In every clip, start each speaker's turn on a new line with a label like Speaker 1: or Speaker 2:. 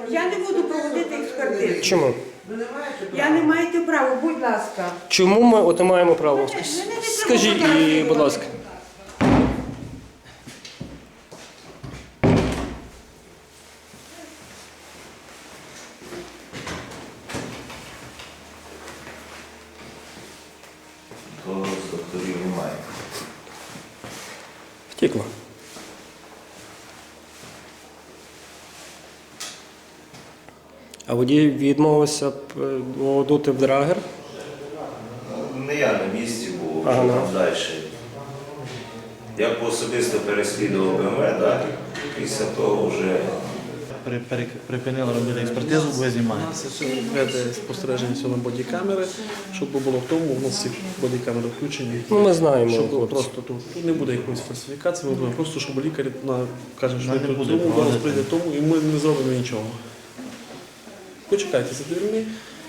Speaker 1: Я не буду проводити експертизу.
Speaker 2: Чому?
Speaker 1: Я не маєте права, будь ласка.
Speaker 2: Чому ми от не маємо права?
Speaker 1: Мене не треба
Speaker 2: Скажіть,
Speaker 1: фотографувати.
Speaker 2: будь ласка.
Speaker 3: То з докторів немає.
Speaker 2: Втікла. А водій відмовився дути в драгер?
Speaker 3: Не я на місці був,
Speaker 2: Ага.
Speaker 3: що там далі. Я особисто переслідував БМВ, так? Після того вже
Speaker 4: Припинили робити експертизу, ви знімаєте. Веде спостереження сьогодні бодікамери, щоб було в тому, у нас всі бодікамери включені.
Speaker 2: Ну, ми знаємо,
Speaker 4: Щоб було
Speaker 2: хлопці.
Speaker 4: просто тут не буде якоїсь фальсифікації, ми будемо просто, щоб лікар каже, що
Speaker 5: Не
Speaker 4: тут
Speaker 5: буде
Speaker 4: тому, зараз
Speaker 5: проводити.
Speaker 4: прийде тому, і ми не зробимо нічого. Почекайте за дверми.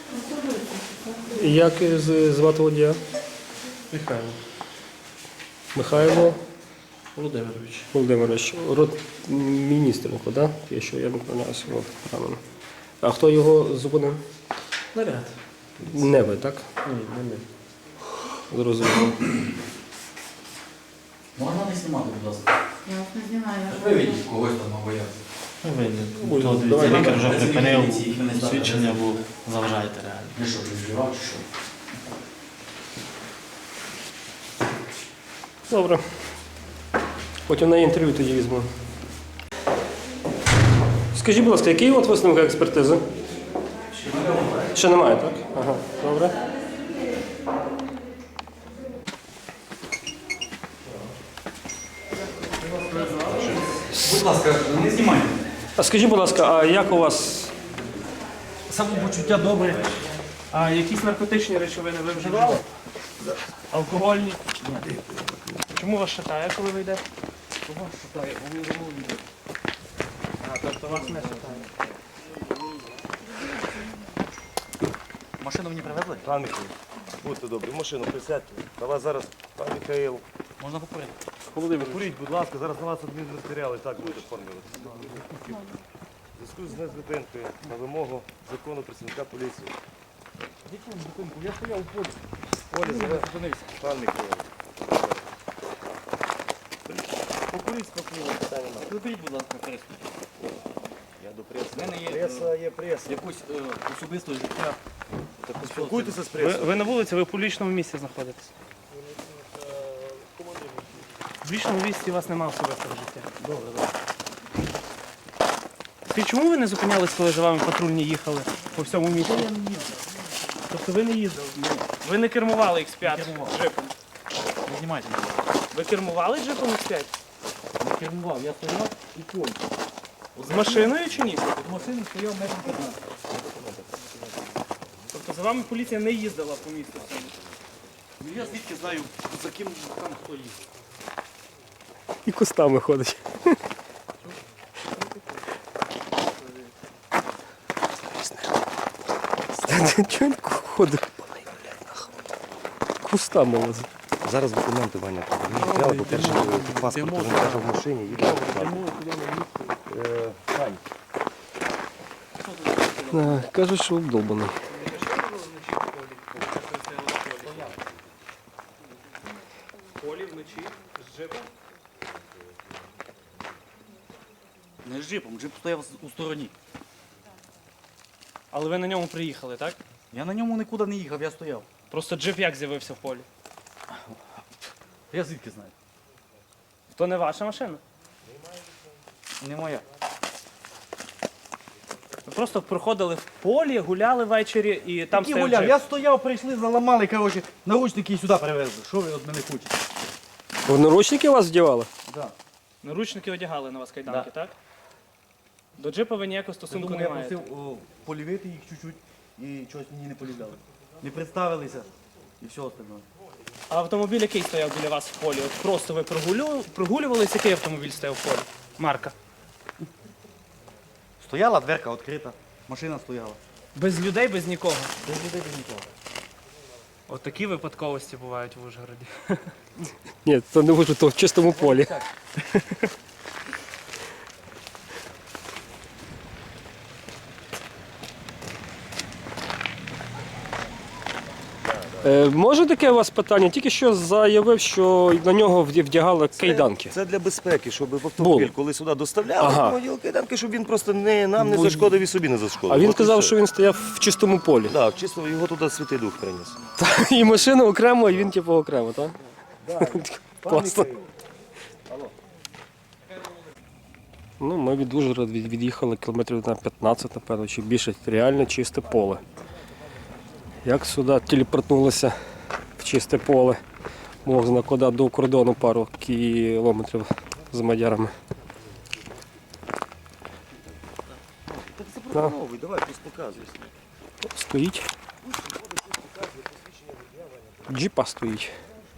Speaker 2: Як звати водія?
Speaker 4: Михайло
Speaker 2: Михайло
Speaker 4: Володимирович.
Speaker 2: Володимирович. Ротміністренко, так? Якщо я не помиляюся, от, правильно. А хто його зупинив?
Speaker 4: Наряд.
Speaker 2: Не ви, так?
Speaker 4: Ні, не ми.
Speaker 2: Зрозуміло.
Speaker 5: Можна не знімати, будь ласка.
Speaker 1: Я вас не знімаю.
Speaker 5: Виведіть когось там або як.
Speaker 4: Ой,
Speaker 5: То
Speaker 4: давай,
Speaker 5: дивіться, лікар вже
Speaker 4: давай.
Speaker 5: припинив
Speaker 4: Працівники міліції,
Speaker 5: свідчення, бо заважаєте реально.
Speaker 6: Ну що, ти вживав чи що?
Speaker 2: Добре. Потім на інтерв'ю тоді візьму. Скажіть, будь ласка, який от висновок експертизи? Ще немає, так? Ага, добре.
Speaker 6: Будь ласка, не знімайте.
Speaker 2: А скажіть, будь ласка, а як у вас?
Speaker 7: Самопочуття добре. А якісь наркотичні речовини ви вживали? Алкогольні? Ні. Чому вас шатає, коли ви йдете? Вас шатає, бо ви замовляєте. А, тобто вас не шатає.
Speaker 5: Машину мені привезли?
Speaker 8: Пан Михайло, будьте добрі, в машину присядьте. На вас зараз, пан Михайло.
Speaker 5: Можна покурити?
Speaker 8: Володимир, куріть, будь ласка, зараз на вас адмінматеріали і так будуть оформлювати. В зв'язку з незупинкою на вимогу закону працівника поліції.
Speaker 7: Я стояв у полі.
Speaker 8: Полі, зараз зупинився. Пан Михайло.
Speaker 7: Покуріть спокійно, питання немає.
Speaker 5: Приберіть, будь ласка, пресу.
Speaker 8: Я до преси.
Speaker 5: В мене є
Speaker 8: Преса є преса.
Speaker 5: якусь особисте життя.
Speaker 8: Так поспілкуйтеся з пресою.
Speaker 7: Ви на вулиці, ви в публічному місці знаходитесь. В публічному місці у вас немає особистого життя. Добре. Чому ви не зупинялись, коли за вами патрульні їхали по всьому місту? Я не їздив. Тобто ви не їздили? Ви не кермували X5 джипом?
Speaker 5: Не знімайте.
Speaker 7: Ви кермували джипом X5?
Speaker 5: Не кермував, я стояв і понял.
Speaker 7: З машиною чи ні?
Speaker 5: З машини стояв метр 15.
Speaker 7: Тобто за вами поліція не їздила по місту всьому?
Speaker 5: Ну я звідки знаю, за ким там хто їздить.
Speaker 2: І кустами ходить. Чого він ходить? Кустами лазить.
Speaker 8: Зараз документи, Ваня, треба. По-перше, паспорт він каже в машині. Їде.
Speaker 2: Кажуть, що обдолбаний.
Speaker 7: В полі вночі з джипом?
Speaker 5: Не з джипом, джип стояв у стороні.
Speaker 7: Але ви на ньому приїхали, так?
Speaker 5: Я на ньому нікуди не їхав, я стояв.
Speaker 7: Просто джип як з'явився в полі?
Speaker 5: Я звідки знаю?
Speaker 7: То не ваша машина?
Speaker 5: Не моя.
Speaker 7: Ви просто проходили в полі, гуляли ввечері і там
Speaker 5: Які
Speaker 7: стояв
Speaker 5: гуляв?
Speaker 7: джип.
Speaker 5: Я стояв, прийшли, заламали, коротше, наручники і сюди привезли. Що ви від мене хочете?
Speaker 2: В наручники вас вдівали?
Speaker 5: Да.
Speaker 7: Наручники одягали на вас кайданки,
Speaker 5: Да.
Speaker 7: так? До джипа ви ніякого
Speaker 5: Я
Speaker 7: стосунку
Speaker 5: думаю,
Speaker 7: не
Speaker 5: я
Speaker 7: маєте.
Speaker 5: просив полівити їх чуть-чуть і чогось мені не полівали. Не представилися і все остальне.
Speaker 7: А автомобіль який стояв біля вас в полі? От просто ви прогулювались, який автомобіль стояв в полі? Марка.
Speaker 5: Стояла дверка відкрита, машина стояла.
Speaker 7: Без людей, без нікого.
Speaker 5: Без людей, без нікого.
Speaker 7: От такі випадковості бувають в Ужгороді.
Speaker 2: Ні, це не можу, то в чистому полі. Може таке у вас питання? Тільки що заявив, що на нього вдягали кайданки.
Speaker 8: Це для безпеки, щоб в
Speaker 2: Було.
Speaker 8: автомобіль, коли сюди доставляли,
Speaker 2: Ага.
Speaker 8: автомобіль кайданки, щоб він просто нам не зашкодив і собі не зашкодив.
Speaker 2: А він
Speaker 8: От і
Speaker 2: казав,
Speaker 8: все.
Speaker 2: що він стояв в чистому полі.
Speaker 8: Так, чисто його туди Святий Дух приніс.
Speaker 2: І машина окремо, і він типу окремо, так? Класно. Ну, ми від Ужгорода від'їхали кілометрів на 15, напевно, чи більше. Реально чисте поле. Як сюди телепортнулися в чисте поле, можна куди до кордону пару кілометрів з мадярами.
Speaker 8: Так запропоновуй, давай, пусть показуєш.
Speaker 2: Стоїть. Джипа стоїть.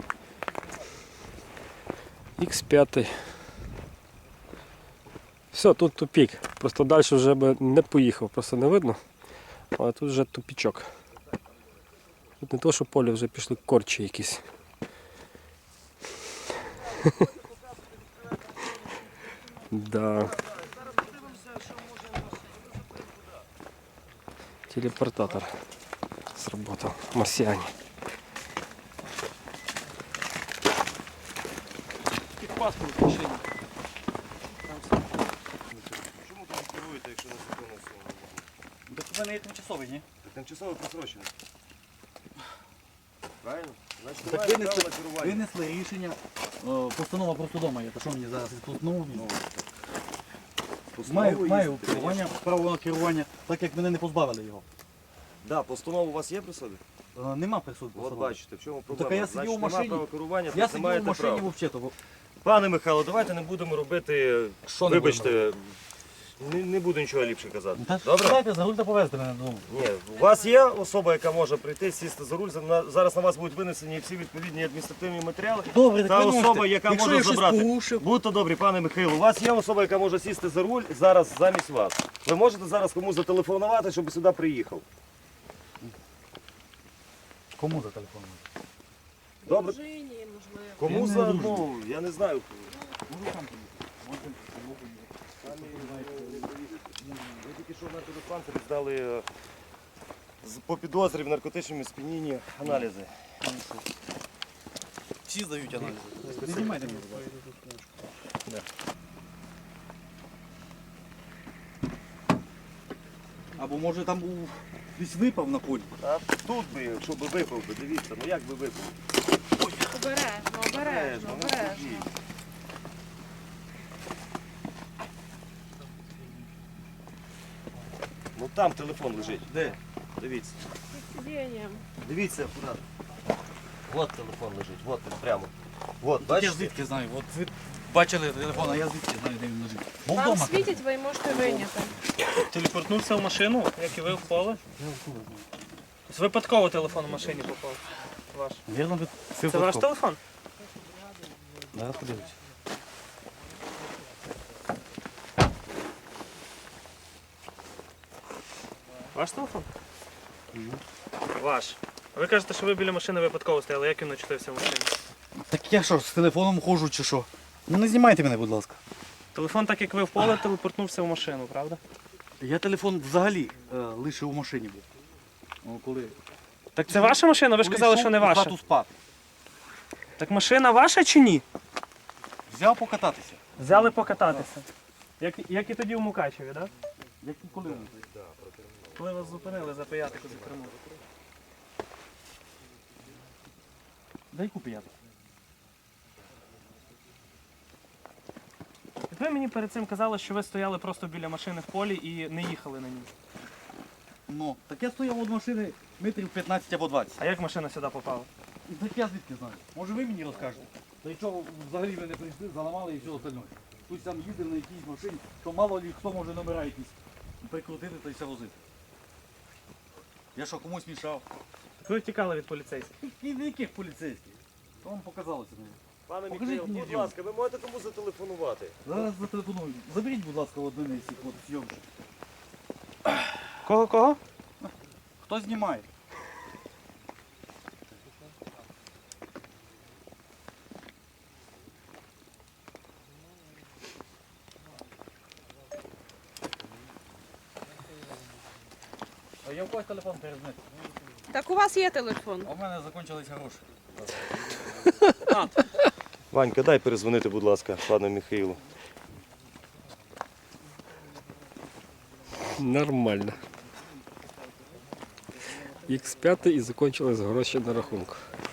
Speaker 2: X5. Все, тут тупік. Просто далі вже би не поїхав, просто не видно. Але тут вже тупічок. Тут не то, що поле вже пішли корчі якісь. Да. Телепортатор сработал. Марсиане.
Speaker 7: Паспорт в машині.
Speaker 8: Чому тут керуєте, якщо не законно все?
Speaker 5: Так у мене є тимчасовий, ні?
Speaker 8: Тимчасово просрочено. Правильно? Значить,
Speaker 5: Так
Speaker 8: немає права на керування.
Speaker 5: винесли рішення, постанова просто вдома є. Та що мені зараз тут знову? Маю керування, право на керування, так як мене не позбавили його.
Speaker 8: Да, постанова у вас є при собі?
Speaker 5: Нема присутку.
Speaker 8: От бачите, в чому
Speaker 5: Так,
Speaker 8: проблема.
Speaker 5: а я сидів
Speaker 8: Значить,
Speaker 5: у
Speaker 8: нема
Speaker 5: машині.
Speaker 8: права керування,
Speaker 5: Я
Speaker 8: то не
Speaker 5: сидів у
Speaker 8: маєте
Speaker 5: машині
Speaker 8: права.
Speaker 5: взагалі.
Speaker 8: Пане Михайло, давайте не будемо робити,
Speaker 5: Що не
Speaker 8: вибачте, не буду нічого ліпше казати.
Speaker 5: Та
Speaker 8: Добре?
Speaker 5: дайте за руль та повезти мене додому.
Speaker 8: Ні, у вас є особа, яка може прийти, сісти за руль, зараз на вас будуть винесені всі відповідні адміністративні матеріали.
Speaker 5: Добре,
Speaker 8: Та
Speaker 5: так ви
Speaker 8: особа,
Speaker 5: можете.
Speaker 8: яка
Speaker 5: Якщо
Speaker 8: може
Speaker 5: я щось
Speaker 8: забрати.
Speaker 5: порушив,
Speaker 8: Будьте добрі, пане Михайло, у вас є особа, яка може сісти за руль зараз замість вас. Ви можете зараз комусь зателефонувати, щоб сюди приїхав.
Speaker 5: кому за телефон?
Speaker 8: Добре? Кому
Speaker 5: Я не
Speaker 8: за,
Speaker 5: дружу.
Speaker 8: ну, я не знаю. Ви тільки що на телефонці здали по підозрі в наркотичному сп'янінні аналізи.
Speaker 5: Всі здають аналізи. Не знімайте мене, будь ласка. Або може там був десь випав на полі.
Speaker 8: А тут би, якщо би випав би, дивіться, ну як би випав?
Speaker 1: Обережно.
Speaker 8: Ну там телефон лежить. Де? Дивіться. Дивіться, куди. От телефон лежить, от він прямо. От,
Speaker 5: Я
Speaker 8: бачите?
Speaker 5: звідки знаю? От ви бачили телефон, а я звідки знаю, де він лежить. Був
Speaker 9: Вам
Speaker 5: вдома.
Speaker 9: світять, ви можете вийняти.
Speaker 7: Телепортнувся в машину, як і ви в поле. Тобто випадково телефон в машині попав. Ваш.
Speaker 5: Вірно,
Speaker 7: Це ваш телефон?
Speaker 5: Зараз подивлюсь.
Speaker 7: Ваш телефон? Ваш. А ви кажете, що ви біля машини випадково стояли, як він очутився в машині?
Speaker 5: Так я що, з телефоном ходжу чи що? Ну не знімайте мене, будь ласка.
Speaker 7: Телефон, так як ви в поле, телепортнувся в машину, правда?
Speaker 5: Я телефон взагалі лише у машині був. Ну, коли...
Speaker 7: Так це ваша машина? Ви ж
Speaker 5: коли
Speaker 7: казали,
Speaker 5: йшов
Speaker 7: що не
Speaker 5: у
Speaker 7: ваша.
Speaker 5: хату спати.
Speaker 7: Так машина ваша чи ні?
Speaker 5: Взяв покататися.
Speaker 7: Взяли покататися. Як і тоді у Мукачеві, так?
Speaker 5: Як і коли.
Speaker 7: Коли вас зупинили за пиятику за кермом.
Speaker 5: Дай купи.
Speaker 7: Ви мені перед цим казали, що ви стояли просто біля машини в полі і не їхали на ній.
Speaker 5: Ну, так я стояв від машини метрів 15 або 20.
Speaker 7: А як машина сюди попала?
Speaker 5: Так я звідки знаю? Може ви мені розкажете? Та й чого взагалі ви не прийшли, заламали і все остальне. Хтось там їздив на якійсь машині, то мало ли хто може номера якісь прикрутити та й все возити. Я що, комусь мішав?
Speaker 7: Так ви втікали від поліцейських.
Speaker 5: І від яких поліцейських? То вам показалося мені.
Speaker 8: Пане
Speaker 5: Покажіть
Speaker 8: Михайло,
Speaker 5: мені
Speaker 8: будь
Speaker 5: зйомку.
Speaker 8: ласка, ви можете комусь зателефонувати?
Speaker 5: Зараз зателефоную. Заберіть, будь ласка, одне з цих от зйомчих.
Speaker 7: Кого?
Speaker 5: Хто знімає? А я в когось телефон перезнати.
Speaker 9: Так у вас є телефон.
Speaker 5: А в мене закінчились гроші.
Speaker 8: Ванька, дай перезвонити, будь ласка, пану Михайлу.
Speaker 2: Нормально. Х5 і закінчились гроші на рахунку.